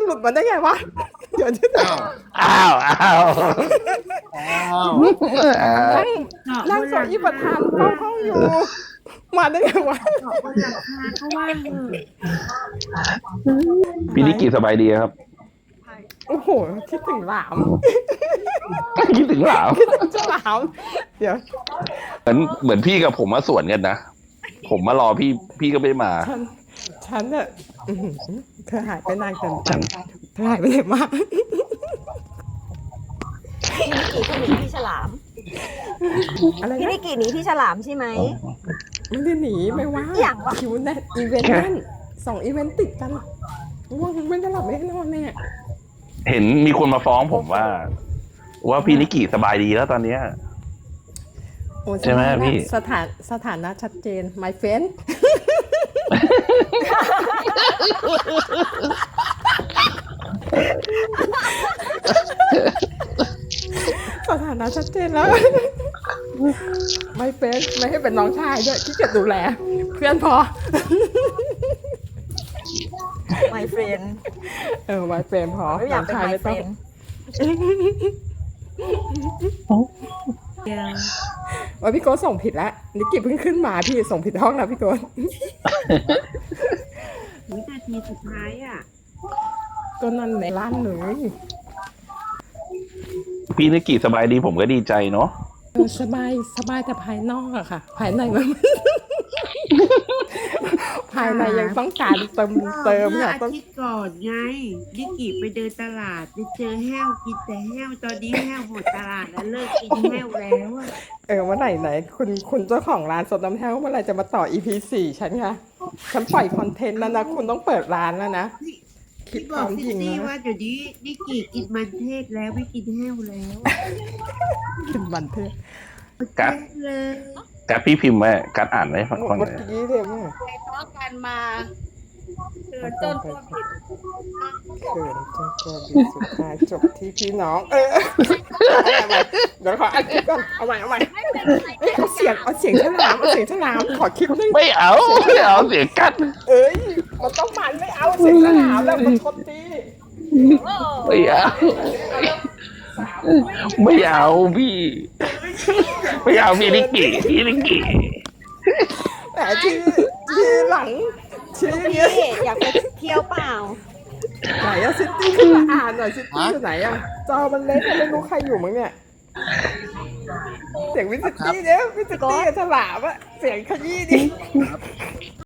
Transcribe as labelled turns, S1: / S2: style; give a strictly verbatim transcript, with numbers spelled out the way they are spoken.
S1: ลุดมาได้ไงวะเดี๋ยวที่ไหน
S2: อ้าวอ้าวอ้าว
S1: นั่งนั่งโซอีประธานเฝ้าห้องอยู่มาได้ไงวะ
S3: บนหลังคาเขาว่าเถอะ
S2: พี่นิกกี้สบายดีครับ
S1: โอ้โหคิดถึงหลาม
S2: คิดถึงหลาว
S1: คิดถึงเจ้าหลามเดี๋ยว
S2: เหมือนเหมือนพี่กับผมมาสวนกันนะผมมารอพี่พี่ก็ไม่มา
S1: ฉันฉันเนี่ยอื้อหือเธอหายไปนานเกินไปเธอหายไปไหนมา
S4: พี่นิกกี้เขาหนีพี่ฉลาม
S1: อะไร
S4: พี่
S1: นะ
S4: นิกกี้หนีพี่ฉลามใช่ไหม
S1: ไม่ได้หนีไม่ว่า
S4: อย่างวะ
S1: คิวแน่นอีเวนต์แน่นสองอีเวนต์ติดกันว่างไม่ได้หลับไม่ได้นอนเนี่ย
S2: เห็นมีคนมาฟ้องผมว่า ว่าพี่นิกกี้สบายดีแล้วตอนเนี้ย
S1: โอ้
S2: ใช่ไหมพี่
S1: สถานสถานะชัดเจน my friend สถานะชัดเจนแล้ว my friend ไม่ให้เป็นน้องชายด้วยที่เกียจดูแล เพื่อนพอ
S4: my friend
S1: เออ my friend พอ
S4: ไม่อยากเป็น
S1: น้งช
S4: my
S1: ไม่ต้อง
S4: friend
S3: เดียว
S1: ว่าพี่โก้ส่งผิดแล้วนิกกี้เพิ่งขึ้นมาพี่ส่งผิดห้องแล้วพี่โก้
S3: วินาทีสุดท้ายอ่ะ
S1: ก็นั่นในร้านเลย
S2: พี่นิกกี้สบายดีผมก็ดีใจเนาะ
S1: เออสบายสบายแต่ภายนอกอะค่ะ ภายในมัน ภายในยังต้องการเติมเติม
S3: เมื่อ
S1: ค่ะ
S3: อา
S1: ต้อง
S3: ทิตย์ก่อนไงนิกกี้ไปเดินตลาดไปเจอแห้วกินแต่แห้วตอนนี้แห้วหมดตลาดแล้วเลิกกินแห้วแล้วอะ
S1: เออเมื่อไหร่ไหนคุณคุณเจ้าของร้านสดน้ำแท้วเมื่อไหร่จะมาต่อ อี พี สี่ฉันคะฉันปล่อยคอนเทนต์แล้วนะคุณต้องเปิดร้านแล้วนะคิด
S3: พี่
S1: ค
S3: บอ
S1: วาก ม
S3: ซิ
S1: จริง
S3: ตี้
S1: นะ
S3: ว่าเดี๋ยวนี้นิกกี้กินมันเทศแล้วไม่กินแห้วแล้ว
S1: กินบันเทศ
S2: กัด
S3: เลย
S2: กัดพี่พิมพ์ไว้กัดอ่านไว้ฟังฟัง
S1: เมื่
S2: เล
S1: อย กี้เลยว่า
S5: ไปทะเลาะกันมาเกิดจนตัวผิด
S1: เขินจนตัวบิดสุดท้ายจบที่พี่น้อง เออเอาใหม่เดี๋ยวขออัดคลิปก่อนเอาใหม่เอาใหม่
S5: ไม่เป็นไร
S1: เอ้ยเอาเสียงเอาเสียงฉลามเอาเสียงฉลามขอคลิปนึง
S2: ไม่เอาไม่เอาเสียงกัด
S1: เอ้ยมันต้องมันไม่เอาเสียงฉลามแล้วมันชนตี
S2: ไม่เอาไม่เอาพี่ไม่เอาพี่นิกกี้พี่นิกกี้
S1: แต่ทีทีหลังชี้
S4: พี่
S1: เงี้ย
S4: อยากไปเที่ยวเปล่า
S1: ไหนอะซิตี้ขึ้นมาอ่านหน่อยซิตี้อยู่ไหนอะจอมันเล็กอะไม่รู้ใครอยู่มั้งเนี่ยเสียงวิซิตี้เนี่ยวิซิตี้กับฉลามอะเสียงขยี้ดิ